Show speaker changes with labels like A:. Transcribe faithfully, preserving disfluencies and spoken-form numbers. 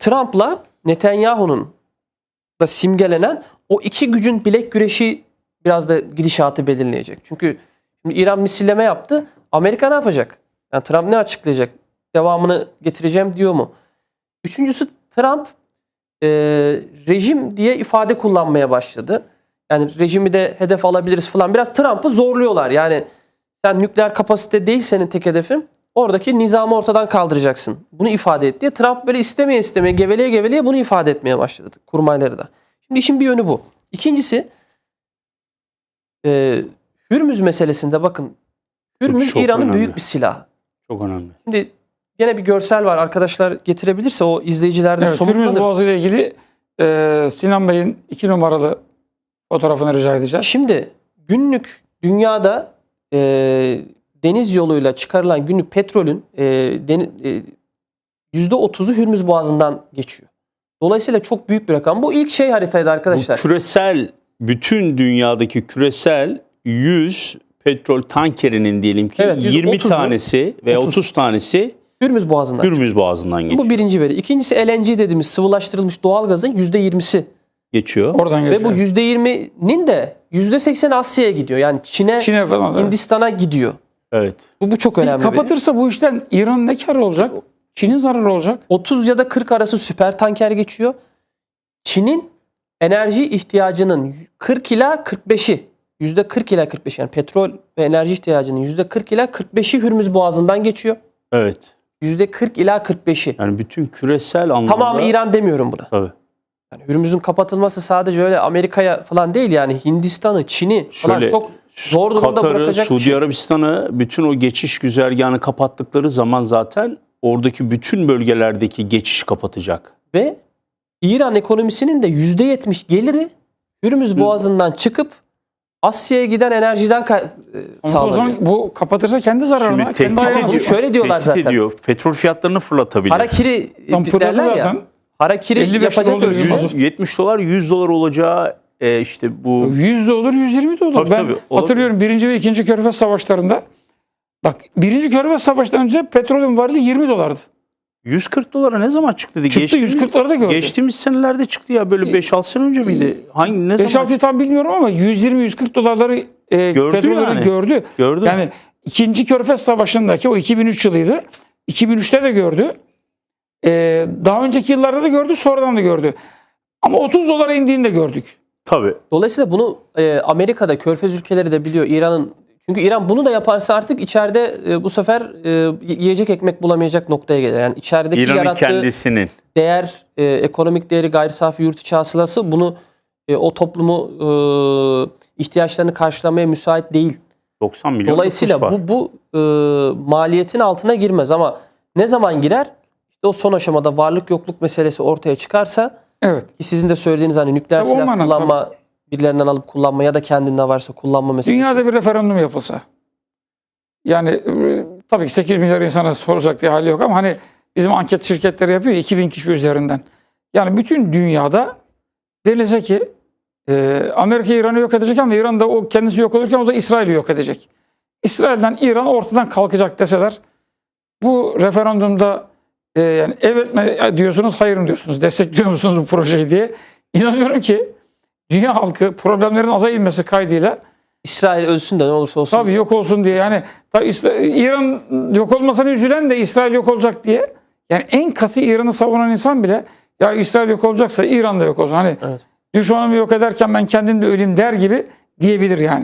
A: Trump'la Netanyahu'nun da simgelenen o iki gücün bilek güreşi biraz da gidişatı belirleyecek. Çünkü şimdi İran misilleme yaptı. Amerika ne yapacak? Yani Trump ne açıklayacak? Devamını getireceğim diyor mu? Üçüncüsü, Trump e, rejim diye ifade kullanmaya başladı. Yani rejimi de hedef alabiliriz falan. Biraz Trump'ı zorluyorlar. Yani sen nükleer kapasite değil senin tek hedefin. Oradaki nizamı ortadan kaldıracaksın. Bunu ifade et diye Trump böyle istemeye istemeye, geveleye geveleye bunu ifade etmeye başladı. Kurmayları da. Şimdi işin bir yönü bu. İkincisi, e, Hürmüz meselesinde bakın. Hürmüz İran'ın büyük bir silahı.
B: Çok önemli.
A: Şimdi yine bir görsel var. Arkadaşlar getirebilirse o izleyicilerde
B: evet,
A: somutlanır.
B: Hürmüz Boğazı ile ilgili e, Sinan Bey'in iki numaralı fotoğrafını rica edeceğim.
A: Şimdi günlük dünyada e, deniz yoluyla çıkarılan günlük petrolün e, deni, e, yüzde otuzu Hürmüz Boğazı'ndan geçiyor. Dolayısıyla çok büyük bir rakam. Bu ilk şey haritaydı arkadaşlar.
B: Bu küresel, bütün dünyadaki küresel yüz petrol tankerinin diyelim ki
A: Evet,
B: yirmi
A: otuzu,
B: tanesi veya otuz, otuz tanesi
A: Hürmüz Boğazı'ndan
B: Hürmüz Boğazı'ndan geçiyor.
A: Bu birinci veri. İkincisi, L N G dediğimiz sıvılaştırılmış doğalgazın yüzde yirmisi
B: geçiyor.
A: Oradan geçiyor. Ve bu yüzde yirminin de yüzde sekseni Asya'ya gidiyor. Yani Çin'e,
B: Çin'e falan,
A: Hindistan'a evet. gidiyor.
B: Evet.
A: Bu, bu çok önemli.
B: Kapatırsa bu işten İran ne kar olacak? Çin'in zararı olacak.
A: otuz ya da kırk arası süper tanker geçiyor. Çin'in enerji ihtiyacının kırk ila kırk beşi, yüzde kırk ila kırk beş, yani petrol ve enerji ihtiyacının yüzde kırk ila kırk beşi Hürmüz Boğazı'ndan geçiyor.
B: Evet.
A: yüzde kırk ila kırk beşi.
B: Yani bütün küresel anlamda.
A: Tamamı İran demiyorum buna.
B: Tabii.
A: Yani Hürmüz'ün kapatılması sadece öyle Amerika'ya falan değil, yani Hindistan'ı, Çin'i falan Şöyle, çok zor durumda
B: Katar'ı,
A: bırakacak
B: Suudi
A: şey.
B: Arabistan'ı, bütün o geçiş güzergahını kapattıkları zaman zaten oradaki bütün bölgelerdeki geçiş kapatacak.
A: Ve İran ekonomisinin de yüzde yetmiş geliri Hürmüz Boğazı'ndan çıkıp Asya'ya giden enerjiden sağlanıyor.
B: O zaman bu kapatırsa kendi zararına.
A: Şimdi
B: kendi
A: tehdit ediyor. Şöyle diyorlar
B: tehdit
A: zaten.
B: Ediyor. Petrol fiyatlarını fırlatabilir.
A: Harakiri derler ya. Harakiri yapacak öyle.
B: yüz yetmiş dolar yüz dolar olacağı e, işte bu.
C: yüz de olur, yüz yirmi de olur.
B: Tabii,
C: ben
B: tabii,
C: hatırlıyorum birinci ve ikinci Körfez Savaşları'nda. Bak, birinci Körfez Savaşı'ndan önce petrolün varlığı yirmi dolardı.
B: yüz kırk dolara ne zaman çıktı?
C: Çıktı,
B: geçtiğimiz,
C: yüz kırk dolara gördü.
B: Geçtiğimiz senelerde çıktı ya, böyle beş altı sene önce miydi? Hangi ne
C: beş
B: zaman?
C: altı tam bilmiyorum ama yüz yirmi yüz kırk dolarları e,
B: gördü
C: petrolleri
B: yani.
C: gördü.
B: Gördü.
C: Yani ikinci Körfez Savaşı'ndaki o iki bin üç yılıydı. iki bin üçte de gördü. E, daha önceki yıllarda da gördü, sonradan da gördü. Ama otuz dolara indiğini de gördük.
B: Tabii.
A: Dolayısıyla bunu e, Amerika'da, Körfez ülkeleri de biliyor. İran'ın, çünkü İran bunu da yaparsa artık içeride e, bu sefer e, yiyecek ekmek bulamayacak noktaya gelir. Yani içerideki
B: İran'ın
A: yarattığı
B: kendisinin
A: değer, e, ekonomik değeri, gayri safi yurt içi hasılası bunu e, o toplumu e, ihtiyaçlarını karşılamaya müsait değil.
B: doksan milyon
A: Dolayısıyla bu bu e, maliyetin altına girmez, ama ne zaman girer? İşte o son aşamada varlık yokluk meselesi ortaya çıkarsa,
C: Evet.
A: ki sizin de söylediğiniz hani nükleer
C: Tabii,
A: silah
C: olmadan,
A: kullanma, birilerinden alıp kullanma ya da kendinde varsa kullanma meselesi.
C: Dünyada bir referandum yapılsa. Yani e, tabii ki sekiz milyar insana soracak diye hali yok ama hani bizim anket şirketleri yapıyor ya, iki bin kişi üzerinden. Yani bütün dünyada denilse ki e, Amerika İran'ı yok edecek ama İran da o kendisi yok olurken o da İsrail'i yok edecek. İsrail'den İran ortadan kalkacak deseler, bu referandumda e, yani evet mi diyorsunuz, hayır mı diyorsunuz, destekliyor musunuz bu projeyi diye, inanıyorum ki dünya halkı problemlerin aza inmesi kaydıyla
A: İsrail ölsün de ne olursa olsun.
C: tabii yok olsun diye, yani tabii İran yok olmasına üzülen de İsrail yok olacak diye, yani en katı İran'ı savunan insan bile ya İsrail yok olacaksa İran da yok olsun. Hani
A: evet.
C: düşmanımı yok ederken ben kendim de öleyim der gibi diyebilir yani.